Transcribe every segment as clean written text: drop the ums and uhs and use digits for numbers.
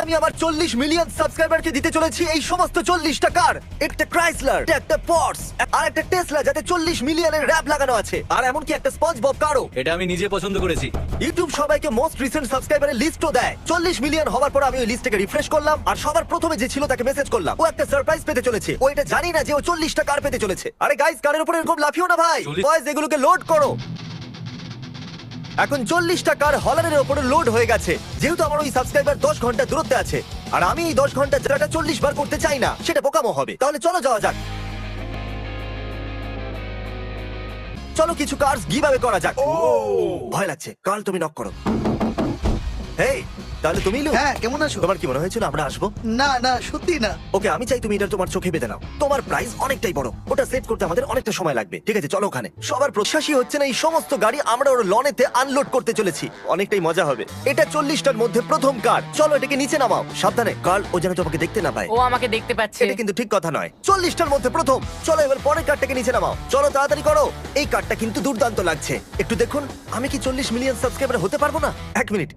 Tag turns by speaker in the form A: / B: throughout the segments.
A: আমি আমার 40 মিলিয়ন সাবস্ক্রাইবারকে দিতে চলেছি এই সমস্ত 40টা কার। একটা ক্রাইসলার, একটা পর্স, আর একটা টেসলা যাতে 40 মিলিয়নের র‍্যাপ লাগানো আছে, আর এমনকি একটা স্পঞ্জবব কারও।
B: এটা আমি নিজে পছন্দ করেছি।
A: ইউটিউব সবাইকে মোস্ট রিসেন্ট সাবস্ক্রাইবারের লিস্টও দেয়। 40 মিলিয়ন হওয়ার পর আমি ওই লিস্টটাকে রিফ্রেশ করলাম, আর সবার প্রথমে যে ছিল তাকে মেসেজ করলাম। ও একটা সারপ্রাইজ পেতে চলেছে। ও এটা জানি না যে ও 40টা কার পেতে চলেছে। আরে গাইস, কারের উপরে এরকম লাফিও না ভাই। বয়েজ, এগুলোকে লোড করো। এখন 40টা কার হলারের উপরে লোড হয়ে গেছে। যেহেতু আমার ওই সাবস্ক্রাইবার 10 ঘন্টা দূরত্বে আছে, আর আমি এই 10 ঘন্টা যেটা 40 বার করতে চাই না, সেটা বোকামো হবে। তাহলে চলো যাওয়া যাক। চলো কিছু কার্স গিভঅ্যাওয়ে করা যাক। ভয় লাগছে। কাল তুমি নক করো। হেই, তাহলে তুমি লু।
C: হ্যাঁ, কেমন আছো?
A: তোমার কি মনে হয়েছিল আমরা আসবো?
C: না না, সত্যি না।
A: ওকে, আমি চাই তুমি এটা তোমার চোখে বেঁধে নাও। তোমার প্রাইস অনেকটাই বড়, ওটা সেট করতে আমাদের অনেকটা সময় লাগবে। ঠিক আছে, চলো ওখানে। সবার প্রত্যাশী হচ্ছে না এই সমস্ত গাড়ি আমরা ওর লনেতে আনলোড করতে চলেছি। অনেকটাই মজা হবে। এটা 40টার মধ্যে প্রথম কার। চলো এটাকে নিচে নামাও। সাবধানে, কার্ল ও যেন তোমাকে দেখতে না পায়।
D: ও আমাকে দেখতে পাচ্ছে।
A: এটা কিন্তু ঠিক কথা নয়। 40টার মধ্যে প্রথম। চলো এবার পরের কারটাকে নিচে নামাও। চলো তাড়াতাড়ি করো। এই কারটা কিন্তু দুর্দান্ত লাগছে। একটু দেখুন, আমি কি 40 মিলিয়ন সাবস্ক্রাইবার হতে পারবো না? এক মিনিট।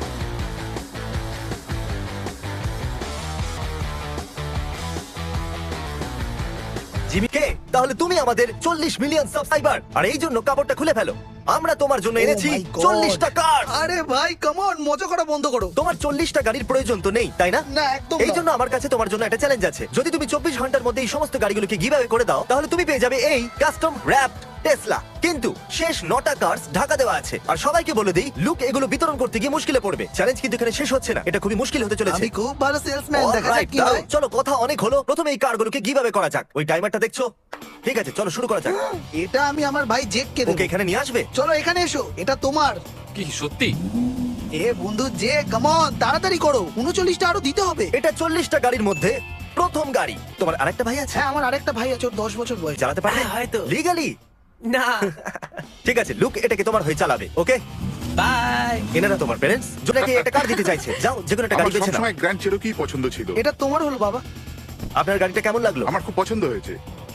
A: জিমি কে, তাহলে তুমি আমাদের 40 মিলিয়ন সাবস্ক্রাইবার, আর এই জন্য কাপড়টা খুলে ফেলো। আমরা তোমার জন্য এনেছি
C: Oh my God!
A: 40টা কার।
C: আরে ভাই, কাম অন, মজা করা বন্ধ করো।
A: তোমার 40টা গাড়ির প্রয়োজন তো নেই, তাই না?
C: না, একদম
A: এই
C: না।
A: জন্য আমার কাছে তোমার জন্য একটা চ্যালেঞ্জ আছে। যদি তুমি 24 ঘন্টার মধ্যে এই সমস্ত গাড়িগুলোকে গিভঅ্যাওয়ে করে দাও, তাহলে তুমি পেয়ে যাবে এই কাস্টম র‍্যাপড টেসলা। কিন্তু শেষ 9টা কার্স ঢাকা দেওয়া আছে। আর সবাইকে বলে দিই, লুক এগুলো বিতরণ করতে গিয়ে মুশকিলে পড়বে। চ্যালেঞ্জ কিন্তু এখানে শেষ হচ্ছে না, এটা খুবই মুশকিল হতে চলেছে।
C: আমি খুব ভালো সেলসম্যান, দেখা যাক
A: Alright,
C: কি
A: দাঁড়াও,
C: হয়।
A: চলো কথা অনেক হলো। প্রথমে এই কারগুলোকে গিভঅ্যাওয়ে করা যাক। ওই টাইমারটা দেখছো? ঠিক আছে, চলো শুরু করা যাক।
C: এটা আমি আমার ভাই জেককে দেব।
A: ওকে এখানে নিয়ে আসবে।
C: চলো এখানে এসো, এটা তোমার।
B: কি সত্যি?
C: এ বন্ধু যে, কাম অন, তাড়াতাড়ি করো। 39টা আরো দিতে হবে।
A: এটা 40টা গাড়ির মধ্যে প্রথম গাড়ি। তোমার আরেকটা ভাই আছে?
C: হ্যাঁ, আমার আরেকটা ভাই আছে, ওর 10 বছর বয়স।
A: চালাতে পারবে?
B: হ্যাঁ, হয়তো।
A: লিগালি?
B: না।
A: ঠিক আছে, লুক এটাকে তোমার হয়ে চালাবে। Okay,
B: bye.
A: এনারা তোমার প্যারেন্টস, যাকে একটা কার দিতে চাইছে। যাও, যে কোনো একটা গাড়ি
E: আমার
A: বেছে নাও।
E: সবসময় গ্র্যান্ড চেরোকি পছন্দ ছিল।
C: এটা তোমার হলো বাবা।
A: আপনার গাড়িটা কেমন লাগলো?
E: আমার খুব পছন্দ হয়েছে।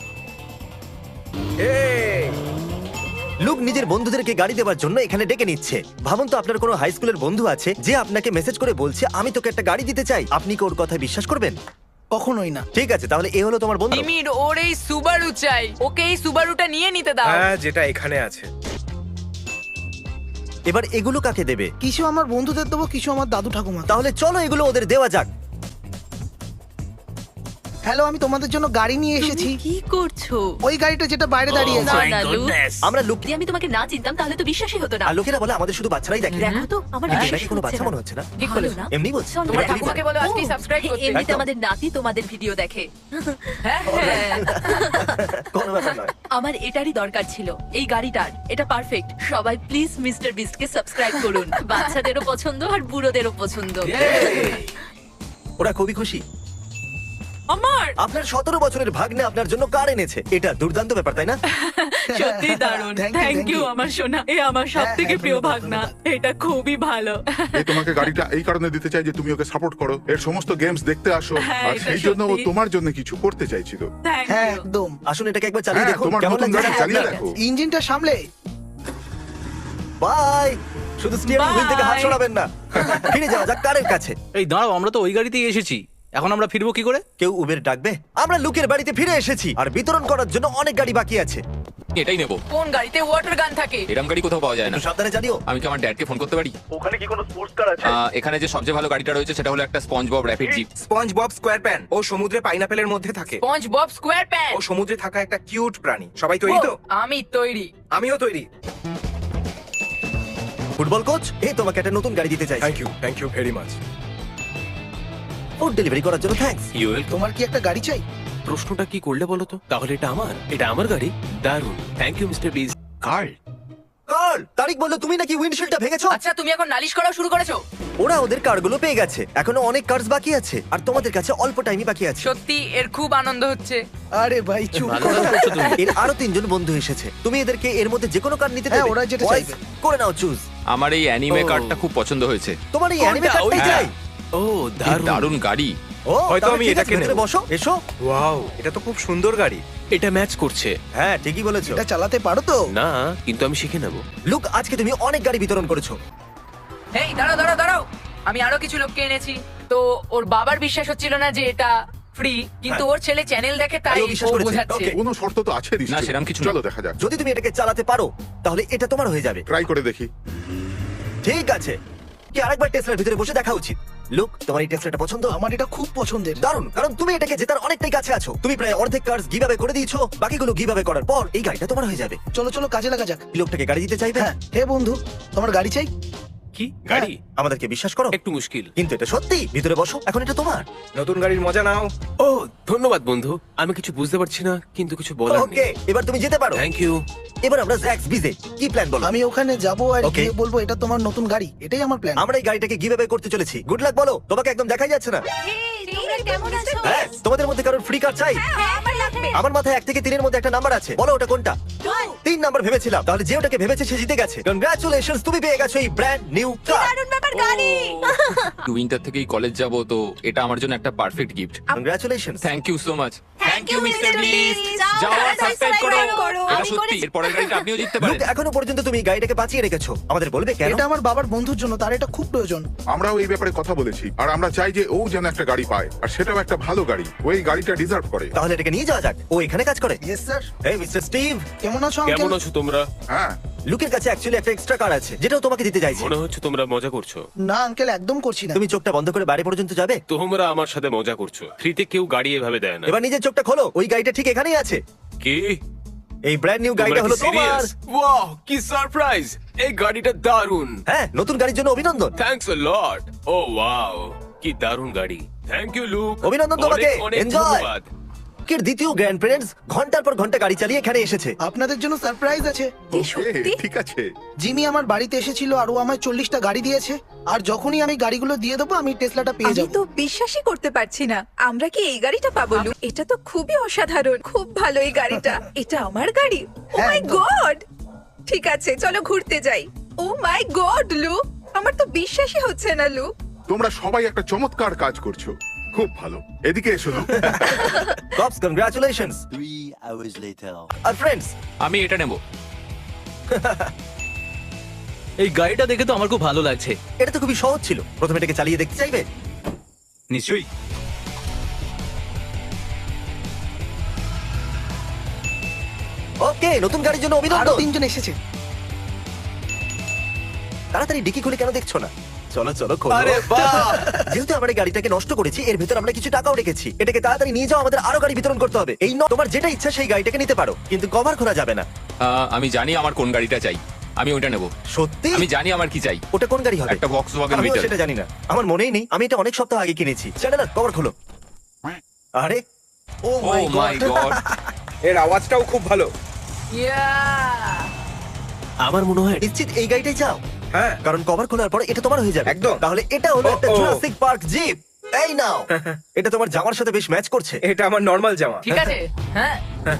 A: লুক নিজের বন্ধুদেরকে গাড়ি দেওয়ার জন্য এখানে ডেকে নিচ্ছে। ভাবুন তো, আপনার কোনো হাই স্কুলের বন্ধু আছে যে আপনাকে মেসেজ করে বলছে আমি তোকে একটা গাড়ি দিতে চাই। আপনি কি ওর কথা বিশ্বাস করবেন?
C: কখনোই না।
A: ঠিক আছে, তাহলে এ হলো তোমার বন্ধু।
D: জিমির ওর এই সুবারু চাই। ওকে এই সুবারুটা নিয়ে নিতে দাও।
F: হ্যাঁ, যেটা এখানে আছে।
A: এবার এগুলো কাকে দেবে?
C: কিছু আমার বন্ধুদের দেবো, কিছু আমার দাদু ঠাকুমা।
A: তাহলে চলো এগুলো ওদের দেওয়া যাক।
C: হ্যালো, আমি তোমাদের জন্য গাড়ি নিয়ে এসেছি।
G: তুমি কি করছো?
C: ওই গাড়িটা যেটা বাইরে দাঁড়িয়ে আছে।
G: না, লুক।
A: আমরা লুক,
G: যদি আমি তোমাকে না চিনতাম তাহলে তো বিশ্বাসই হতো না।
A: আর লোকেরা বলে আমাদের শুধু বাচ্চারাই দেখে।
G: দেখো তো, আমার
A: এটা
G: বিশ্বাসই
A: নাকি কোনো
G: হচ্ছে
A: বাচ্চা
G: না।
A: মনে হচ্ছে না?
D: ঠিক
G: ভালো
D: বলেছো।
G: না?
A: এমনি বলছি।
G: চলো,
D: তোমার
G: দেখো।
D: ঠাকুমাকে বলো আজকেই সাবস্ক্রাইব করতে।
G: এমনিতে
A: একদম।
G: আমাদের নাতি তোমাদের ভিডিও দেখে।
D: হ্যাঁ, হ্যাঁ।
A: কোনো ব্যাপার নয়।
G: আমার এটারই দরকার ছিল, এই গাড়িটার। এটা পারফেক্ট। সবাই প্লিজ মিস্টার বিস্টকে সাবস্ক্রাইব করুন। বাচ্চাদেরও পছন্দ আর বুড়োদেরও পছন্দ।
A: ওরা খুবই খুশি।
D: আমার
A: আপনার 17 বছরের ভাগ্নে আপনার জন্য কার এনেছে। এটা দুর্দান্ত ব্যাপার, তাই না?
D: সত্যি দারুণ।
C: Thank you,
D: thank
C: thank
D: you
C: you.
D: আমার সোনা। এ আমার সবথেকে
C: হ্যাঁ,
D: প্রিয়
C: ধন্যবাদ,
D: ভাগনা।
C: ধন্যবাদ।
D: এটা খুবই ভালো।
E: এই তোমাকে গাড়িটা এই কারণে দিতে চাই যে তুমি ওকে সাপোর্ট করো, এর সমস্ত গেমস দেখতে আসো,
D: হ্যাঁ,
E: আর
D: এটা
E: সেই জন্য ও
D: সত্যি।
E: তোমার জন্য কিছু করতে চাইছিল।
D: থ্যাংক
C: হ্যাঁ,
D: ইউ।
C: একদম।
A: আসুন এটাকে একবার চালিয়ে
E: হ্যাঁ,
A: দেখুন
E: তোমার
A: কেমন
E: নতুন গাড়ি
A: লাগছে।
E: চালিয়ে
D: আপনার
E: দেখো।
C: ইঞ্জিনটা সামলে।
A: বাই। শুধু স্টিয়ারিং হুইল থেকে হাত
D: Bye.
A: সরাবেন না। ফিরে যাওয়া যাক কারের কাছে।
B: এই দাঁড়াও, আমরা তো ওই গাড়িতেই এসেছি। এখন আমরা ফিরবো কি করে?
A: কেউ উবের ডাকবে? আমরা লুকের বাড়িতে ফিরে এসেছি, আর বিতরণ করার জন্য অনেক গাড়ি বাকি আছে।
H: এটাই নেবো।
D: কোন গাড়িতে ওয়াটার গান থাকে?
H: এরকম গাড়ি কোথাও পাওয়া যায় না।
A: একটু সাবধানে জানিও।
H: আমি কি আমার ড্যাডকে ফোন করতে পারি?
A: ওখানে কি কোনো স্পোর্টস কার আছে?
H: এখানে যে সবচেয়ে ভালো গাড়িটা রয়েছে সেটা হলো একটা SpongeBob rapid jeep.
F: SpongeBob square pan ও সমুদ্রে পাইনাপেলের মধ্যে থাকে।
D: SpongeBob square pan.
F: ও সমুদ্রে থাকা একটা কিউট প্রাণী। সবাই তৈরি তো?
D: আমি তৈরি।
F: আমিও তৈরি।
A: ফুটবল কোচ, এই তোমাকে একটা নতুন গাড়ি দিতে চাই।
F: Thank you very much.
A: Food delivery করার জন্য থ্যাঙ্কস।
C: তোমার কি একটা গাড়ি চাই?
I: প্রশ্নটা কি করলে বলো তো? তাহলে এটা আমার গাড়ি। দারুণ, থ্যাংক ইউ মিস্টার বিজ।
H: কার্ল,
A: কার, তারিক বললো তুমি নাকি উইন্ডশিল্ডটা ভেঙেছো।
D: আচ্ছা, তুমি এখন নালিশ করা শুরু করেছো?
A: ওরা ওদের কারগুলো পেয়ে গেছে। এখনো অনেক কার্স বাকি আছে, আর তোমাদের কাছে অল্প টাইমই বাকি আছে।
D: সত্যি এর খুব আনন্দ হচ্ছে।
C: আরে ভাই, চুপ
B: ভালো
C: করো।
B: কাজ করছো তুমি।
A: এর আরো 3 জন বন্ধু এসেছে। তুমি এদেরকে এর মধ্যে যে কোনো কার নিতে
C: হ্যাঁ,
A: দেবে।
C: ওরা যেটা
A: Boys,
C: চাইবে।
A: করে নাও চুজ।
H: আমার এই অ্যানিমে
B: ও।
H: কারটা খুব পছন্দ হয়েছে।
A: তোমার এই অ্যানিমে
B: কোনটা?
A: কারটাই
B: ওইটা?
A: চাই।
I: ও
H: কি
I: দারুণ।
H: দারুণ গাড়ি।
A: ও,
F: হয়তো
A: তাহলে
F: আমি
A: ঠিক আছে,
F: এটাকে
A: ভেতরে
F: নেব।
A: বসো, এসো।
F: ওয়াও, এটা তো খুব সুন্দর গাড়ি।
I: এটা ম্যাচ করছে।
A: হ্যাঁ, ঠিকই বলেছো।
C: এটা চালাতে পারো তো?
I: না, কিন্তু আমি শিখে নেব।
A: লুক, আজকে তুমি অনেক গাড়ি বিতরণ করেছো।
D: এই দাঁড়াও দাঁড়াও দাঁড়াও। আমি আরো কিছু লোককে এনেছি। তো ওর বাবার বিশ্বাস হচ্ছিল না যে এটা ফ্রি, কিন্তু ওর ছেলে চ্যানেল দেখে তাই
A: ও বিশ্বাস
D: ও
A: করেছে।
D: বোঝাচ্ছে।
A: Okay.
E: কোনো শর্ত তো আছে
H: না, সেরকম কিছু না।
E: চলো দেখা যাক,
A: যদি তুমি এটাকে চালাতে পারো তাহলে এটা তোমার হয়ে যাবে।
E: ট্রাই করে দেখি।
A: ঠিক আছে, কি আরেকবার টেসলার ভিতরে বসে দেখা উচিত। লুক, তোমার এই টেসলাটা পছন্দ?
C: আমার এটা খুব পছন্দের।
A: দারুণ, কারণ তুমি এটাকে জেতার অনেকটাই কাছে আছো। তুমি প্রায় অর্ধেক কার্স গিভঅ্যাওয়ে করে দিয়েছো, বাকিগুলো গিভঅ্যাওয়ে করার পর এই গাড়িটা তোমার হয়ে যাবে।
C: চলো চলো কাজে লাগা যাক।
A: এই লোকটাকে গাড়ি দিতে চাইবে?
C: হ্যাঁ, হে বন্ধু, তোমার গাড়ি চাই?
I: কি গাড়ি?
A: আমাদেরকে বিশ্বাস করো,
I: একটু মুশকিল।
A: কিন্তু এটা সত্যি। ভিতরে বসো, এখন এটা তোমার।
F: নতুন গাড়ির মজা নাও।
I: ও ধন্যবাদ বন্ধু, আমি কিছু বুঝতে পারছি না কিন্তু কিছু বলার
A: ওকে,
I: নেই।
A: এবার তুমি যেতে পারো।
I: Thank you.
A: এবার আমরা জ্যাক্স বিজে কি প্ল্যান বলো?
C: আমি ওখানে যাবো আর
A: Okay.
C: গিয়ে বলবো এটা তোমার নতুন গাড়ি, এটাই আমার প্ল্যান।
A: আমরা এই গাড়িটাকে গিভঅ্যাওয়ে করতে চলেছি। গুড লাক বলো, তোমাকে একদম দেখাই যাচ্ছে না। হ্যাঁ, তোমাদের মধ্যে কারোর ফ্রি কার চাই? আমার মাথায় 1 থেকে 3 এর মধ্যে একটা নাম্বার আছে, বলো ওটা কোনটা? 3 নাম্বার ভেবেছিলাম, তাহলে যে ওটাকে ভেবেছে সে জিতে গেছে। কংগ্রাচুলেশনস, তুমি পেয়ে গেছো এই ব্র্যান্ড নিউ কার।
H: উইন্টার থেকেই কলেজ যাব, তো এটা আমার জন্য একটা perfect gift.
A: Congratulations.
H: Thank you so much. Thank you mister Beast. যাও আর সাবস্ক্রাইব করো। এটা সত্যি, এর পরের গাড়িটা আপনিও জিততে পারেন।
A: এখনো পর্যন্ত তুমি এই গাড়িটাকে বাঁচিয়ে রেখেছো, আমাদের বলবে কেন?
C: এটা আমার বাবার বন্ধুর জন্য, তার এটা খুব প্রয়োজন।
E: আমরাও এই ব্যাপারে কথা বলেছি, আর আমরা চাই যে ও যেন একটা গাড়ি পায়, আর সেটাও একটা ভালো গাড়ি। ও এই গাড়িটা ডিজার্ভ করে।
A: তাহলে এটাকে নিয়ে যাওয়া যাক। ও এখানে কাজ করে।
C: Yes sir.
A: এই মিস্টার স্টিভ,
C: কেমন আছো
I: কেমন
C: আঙ্কেল?
I: আছো তোমরা?
E: হ্যাঁ,
A: লুকের কাছে অ্যাকচুয়ালি একটা এক্সট্রা কার আছে, যেটাও তোমাকে দিতে চাইছি।
I: মনে হচ্ছে তোমরা মজা করছো।
C: না আঙ্কেল, একদম করছি না।
A: তুমি চোখটা বন্ধ করে বাড়ি পর্যন্ত যাবে।
I: তোমরা আমার সাথে মজা করছো। ফ্রিতে কেউ গাড়ি এভাবে দেয় না।
A: এবার নিজের চোখটা খোলো, ওই গাড়িটা ঠিক এখানেই আছে।
I: কি?
A: এই ব্র্যান্ড নিউ গাড়িটা হলো তোমার।
I: ওয়াও, কি সারপ্রাইজ! এই গাড়িটা দারুণ।
A: হ্যাঁ, নতুন গাড়ির জন্য অভিনন্দন।
I: Thanks a lot. O wow, কি দারুণ গাড়ি। Thank you Luke.
A: অভিনন্দন তোমাকে।
I: অনেক
A: এনজয়।
I: ধন্যবাদ।
A: লুকের দ্বিতীয় গ্র্যান্ড প্যারেন্টস ঘন্টার পর ঘন্টা গাড়ি চালিয়ে এখানে এসেছে।
C: আপনাদের জন্য সারপ্রাইজ আছে।
E: ওকে, ঠিক আছে।
C: জিমি আমার বাড়িতে এসেছিল আর ও আমায় 40টা গাড়ি দিয়েছে, আর যখনই আমি গাড়িগুলো দিয়ে দেবো আমি টেসলাটা পেয়ে
J: আমি
C: যাবো।
J: তো বিশ্বাসই করতে পারছি না আমরা কি এই গাড়িটা পাবো লু? এটা তো খুবই অসাধারণ, খুব ভালো এই গাড়িটা। এটা আমার গাড়ি? ও
C: হ্যাঁ,
J: মাই
C: একদম।
J: গড! ঠিক আছে চলো ঘুরতে যাই। ও মাই গড লু, আমার তো বিশ্বাসই হচ্ছে না লু।
E: তোমরা সবাই একটা চমৎকার কাজ করছো, খুব ভালো। এদিকে এসো লুক।
A: কপস, কংগ্রাচুলেশনস।
K: 3 hours later.
A: আর ফ্রেন্ডস,
H: আমি এটা নেব।
B: এই গাড়িটা দেখে তো আমার খুব ভালো লাগছে।
A: এটা তো খুবই সহজ ছিল। প্রথমে এটাকে চালিয়ে দেখতে চাইবে?
B: নিশ্চয়ই।
A: ওকে, নতুন গাড়ির জন্য
C: আরো
A: অভিনন্দন।
C: 3 জন এসেছে।
A: তাড়াতাড়ি ডিকি খুলে কেন দেখছো না? চলো চলো খোলো।
I: আরে বাহ!
A: যেহেতু আমরা এই গাড়িটাকে নষ্ট করেছি, এর ভিতর আমরা কিছু টাকাও রেখেছি। এটাকে তাড়াতাড়ি নিয়ে যাও, আমাদের আরো গাড়ি বিতরণ করতে হবে। এই তোমার যেটা ইচ্ছা সেই গাড়িটাকে নিতে পারো, কিন্তু কভার খোলা যাবে না।
H: আমি জানি আমার কোন গাড়িটা চাই, আমি ওইটা নেব।
A: সত্যি?
H: আমি জানি আমার কি চাই।
A: ওটা কোন গাড়ি হবে?
H: একটা Volkswagen
A: আমিও
H: Beetle।
A: সেটা জানি না, আমার মনেই নেই। আমি এটা অনেক সপ্তাহ আগে কিনেছি। চ্যানেলার কভার খোলো। আরে ও
H: ও মাই গড!
F: এর আওয়াজটাও খুব ভালো।
D: ইয়া!
I: আমার মনে হয়
A: নিশ্চিত এই গাড়িটাই চাও?
F: হ্যাঁ,
A: কারণ কভার খোলার পরে এটা তোমার হয়ে যাবে।
F: একদম।
A: তাহলে এটা হলো একটা
F: ও, ও।
A: Jurassic Park jeep. এই নাও। এটা তোমার জামার সাথে বেশ ম্যাচ করছে।
F: এটা আমার নরমাল জামা।
D: ঠিক আছে, হ্যাঁ।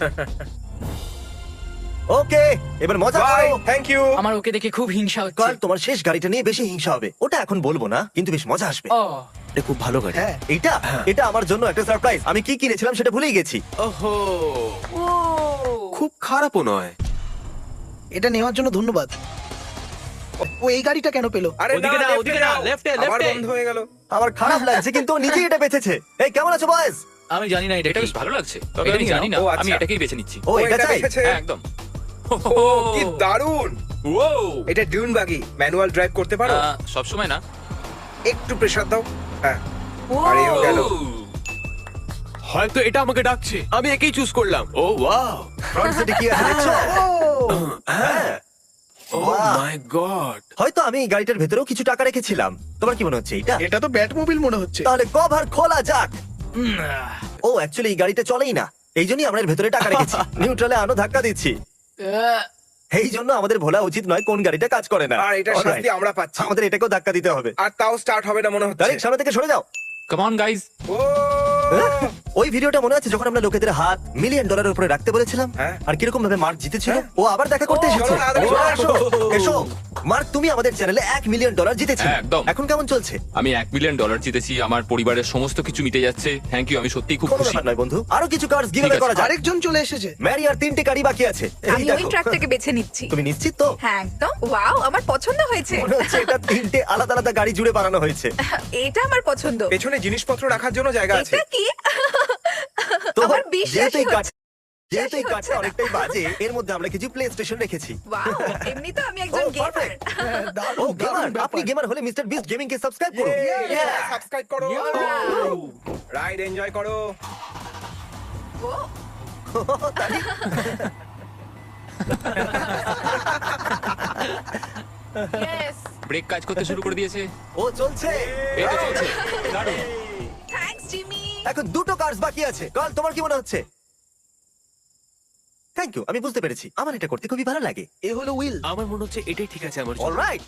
A: ওকে, এবার মজা
F: বাই,
A: করো।
F: Thank you.
D: আমার ওকে দেখে খুব হিংসা হচ্ছে।
A: কাল তোমার শেষ গাড়িটা নিয়ে বেশি হিংসা হবে। ওটা এখন বলবো না, কিন্তু বেশ মজা আসবে।
D: ও,
I: এটা খুব ভালো গাড়ি।
C: হ্যাঁ,
A: এটা এটা আমার জন্য একটা সারপ্রাইজ। আমি কি কিনেছিলাম সেটা ভুলেই গেছি।
I: ওহো,
D: ও,
I: খুব খারাপও নয়।
C: এটা নেওয়ার জন্য ধন্যবাদ। ও এই গাড়িটা কেন পেলো?
F: আরে
B: ওদিকে না,
F: left-এ
B: ওদিকে না,
F: যাও।
B: left-এ,
F: আবার
B: left-এ।
F: বন্ধ হয়ে গেল।
A: আমার খারাপ লাগছে, কিন্তু ও নিজেই এটা বেঁচেছে। এই কেমন আছো বয়েজ?
B: আমি জানি না এটা
H: এটা
B: কি।
H: বেশ ভালো লাগছে, তবে
B: এটা
H: আমি
B: নিয়ে
H: জানি না।
F: নাও। ও, আচ্ছা।
H: আমি এটাকেই বেছে নিচ্ছি।
A: ও এটা চাই?
F: বেঁচেছে।
H: হ্যাঁ, একদম।
F: ও, কি দারুণ!
H: ও,
F: এটা ডিউন বাগি, ম্যানুয়াল ড্রাইভ করতে পারো?
H: সব সময় না।
F: একটু প্রেসার দাও। হ্যাঁ,
D: ও।
F: আরে ও গেল।
I: হয়তো এটা আমাকে ডাকছে। আমি একেই চুজ করলাম। ও ওয়াও,
A: ফ্রন্ট সিটে কি আছে দেখছো? হ্যাঁ।
I: ও
A: বাহ।
I: My god.
A: হয়তো আমি এই গাড়িটার ভেতরেও কিছু টাকা রেখেছিলাম। তোমার কি মনে হচ্ছে এটা?
C: এটা তো ব্যাটমোবিল মনে হচ্ছে।
A: তাহলে কভার খোলা যাক। ও অ্যাকচুয়ালি এই গাড়িটা চলেই না, এই জন্যই আমরা এর ভেতরে টাকা রেখেছি। নিউট্রালে আনো ধাক্কা দিচ্ছি। এই জন্য আমাদের ভোলা উচিত নয় কোন গাড়িটা কাজ করে না।
F: আর এটা
A: Alright,
F: শাস্তি আমরা পাচ্ছি।
A: আমাদের এটাকেও ধাক্কা দিতে হবে।
F: আর তাও স্টার্ট হবে না মনে হচ্ছে।
A: ডাইরেক্ট সামনে থেকে সরে যাও।
H: Come on guys.
F: ও
A: ওই ভিডিওটা মনে আছে যখন আমরা লোকেদের হাত মিলিয়ন ডলারের উপরে রাখতে বলেছিলাম
F: হ্যাঁ।
A: আর কিরকম ভাবে মার্ক জিতেছিল ও আবার দেখা করতে
F: ও,
A: এসেছে
F: চলো তাড়াতাড়ি চলে আসো।
A: এসো মার্ক তুমি আমাদের চ্যানেলে $1 মিলিয়ন জিতেছো
H: হ্যাঁ, একদম।
A: এখন কেমন চলছে
H: আমি $1 মিলিয়ন জিতেছি, আমার পরিবারের সমস্ত কিছু মিটে যাচ্ছে। থ্যাংক ইউ, আমি সত্যিই খুব
A: কোনো
H: খুশি।
A: ব্যাপার নয় বন্ধু আরো কিছু কার্ডস গিভঅ্যাওয়ে
H: ঠিক আছে।
A: করা যাক
C: আরেকজন চলে এসেছে।
A: ম্যারি আর 3টে গাড়ি বাকি আছে এই
J: আমি ওই
A: দেখো।
J: ট্রাকটাকে বেছে নিচ্ছি।
A: তুমি নিশ্চিত তো
J: হ্যাঁ একদম। ওয়াও, আমার পছন্দ হয়েছে।
A: মনে হচ্ছে এটা 3টে আলাদা আলাদা গাড়ি জুড়ে বানানো হয়েছে
J: এটা আমার পছন্দ।
F: পেছনে জিনিসপত্র রাখার জন্য জায়গা আছে।
J: এটা কি?
A: তো
J: আমার
A: যেহেতু
J: বিশ্বাসই
A: এই কাঠ-
J: হচ্ছে
A: যেহেতু এই কাঠটা
J: হচ্ছে না।
A: অনেকটাই বাজে এর মধ্যে আমরা কিছু প্লে স্টেশন রেখেছি
J: ওয়াও, এমনি তো আমি একজন
A: Oh,
J: গেমার।
A: perfect.
C: হ্যাঁ,
A: ও
C: দারুণ,
A: গেমার
C: দারুণ ব্যাপার।
A: আপনি গেমার হলে মিস্টার বিস্ট গেমিং কে সাবস্ক্রাইব করুন
F: সাবস্ক্রাইব করো। রাইড এনজয় করো।
D: Yes!
H: ব্রেক কাজ করতে শুরু করে দিয়েছে।
A: ও চলছে
H: এই তো চলছে, দারুণ।
J: Thanks Jimmy.
A: এখন দুটো কার্স বাকি আছে কাল তোমার কি মনে হচ্ছে থ্যাংক ইউ আমি বুঝতে পেরেছি আমার এটা করতে খুবই ভালো লাগে
C: এ হলো উইল।
I: আমার মনে হচ্ছে এটাই ঠিক আছে আমার জন্য।
A: Alright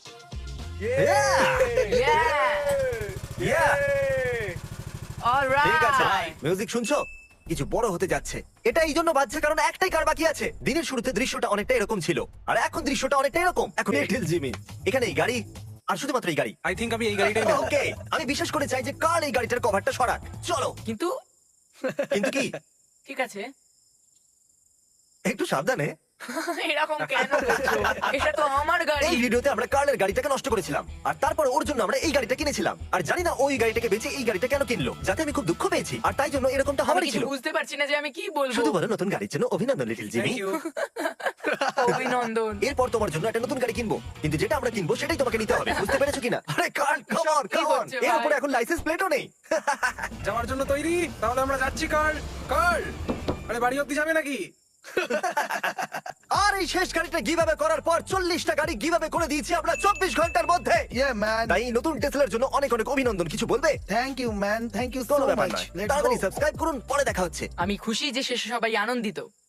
D: Yeah! All
A: ঠিক আছে
D: right!
A: মিউজিক শুনছো কিছু বড় হতে যাচ্ছে এটা এই জন্য বাজছে কারণ একটাই কার বাকি আছে দিনের শুরুতে দৃশ্যটা অনেকটা এরকম ছিল আর এখন দৃশ্যটা অনেকটা এরকম এখন লিটল জিমি এখানে এই গাড়ি আর শুধুমাত্র এই গাড়ি
F: আই থিংক আমি এই গাড়িটাই নেব।
A: ওকে আমি বিশেষ করে চাই যে কার এই গাড়িটার কভারটা সরাক চলো
D: কিন্তু
A: কিন্তু কি
D: ঠিক আছে
A: একটু সাবধানে
D: এরকম কেন করছো? এটা তো আমার গাড়ি।
A: এই ভিডিওতে আমরা কার্লের গাড়িটাকে নষ্ট করেছিলাম আর তারপর ওর জন্য আমরা এই গাড়িটা কিনেছিলাম আর জানি না ওই গাড়িটাকে বেচে এই গাড়িটা কেন কিনলো যাতে আমি খুব দুঃখ পেয়েছি আর তাই জন্য এরকমটা
D: আমি
A: হবারই
D: কিছু
A: ছিল
D: বুঝতে পারছি না যে আমি কি বলবো।
A: শুধু বলো নতুন গাড়ির জন্য অভিনন্দন লিটল জিমি
F: থ্যাংক ইউ।
D: অভিনন্দন।
A: এরপর তোমার জন্য একটা নতুন গাড়ি কিনবো কিন্তু যেটা আমরা কিনবো সেটাই তোমাকে নিতে হবে বুঝতে পেরেছো কিনা আরে কার্ল কাম অন
D: কি করছো
A: এর
D: ভাই?
A: উপরে এখন লাইসেন্স প্লেটও নেই
F: যাওয়ার জন্য তৈরি? তাহলে আমরা যাচ্ছি কার্ল। কার্ল, আরে বাড়ি অব্দি যাবে নাকি?
A: আর এই শেষ গাড়িটা গিভঅ্যাওয়ে করার পর 40টা গাড়ি গিভঅ্যাওয়ে করে দিয়েছি আমরা 24 ঘন্টার মধ্যে
C: ইয়া ম্যান।
A: তাই এই নতুন টেসলার জন্য অনেক অনেক অভিনন্দন কিছু বলবে
C: thank you man, thank you so
A: কোনো ব্যাপার
C: মাচ।
A: নয় তাড়াতাড়ি সাবস্ক্রাইব করুন পরে দেখা হচ্ছে
D: আমি খুশি যে শেষে সবাই আনন্দিত।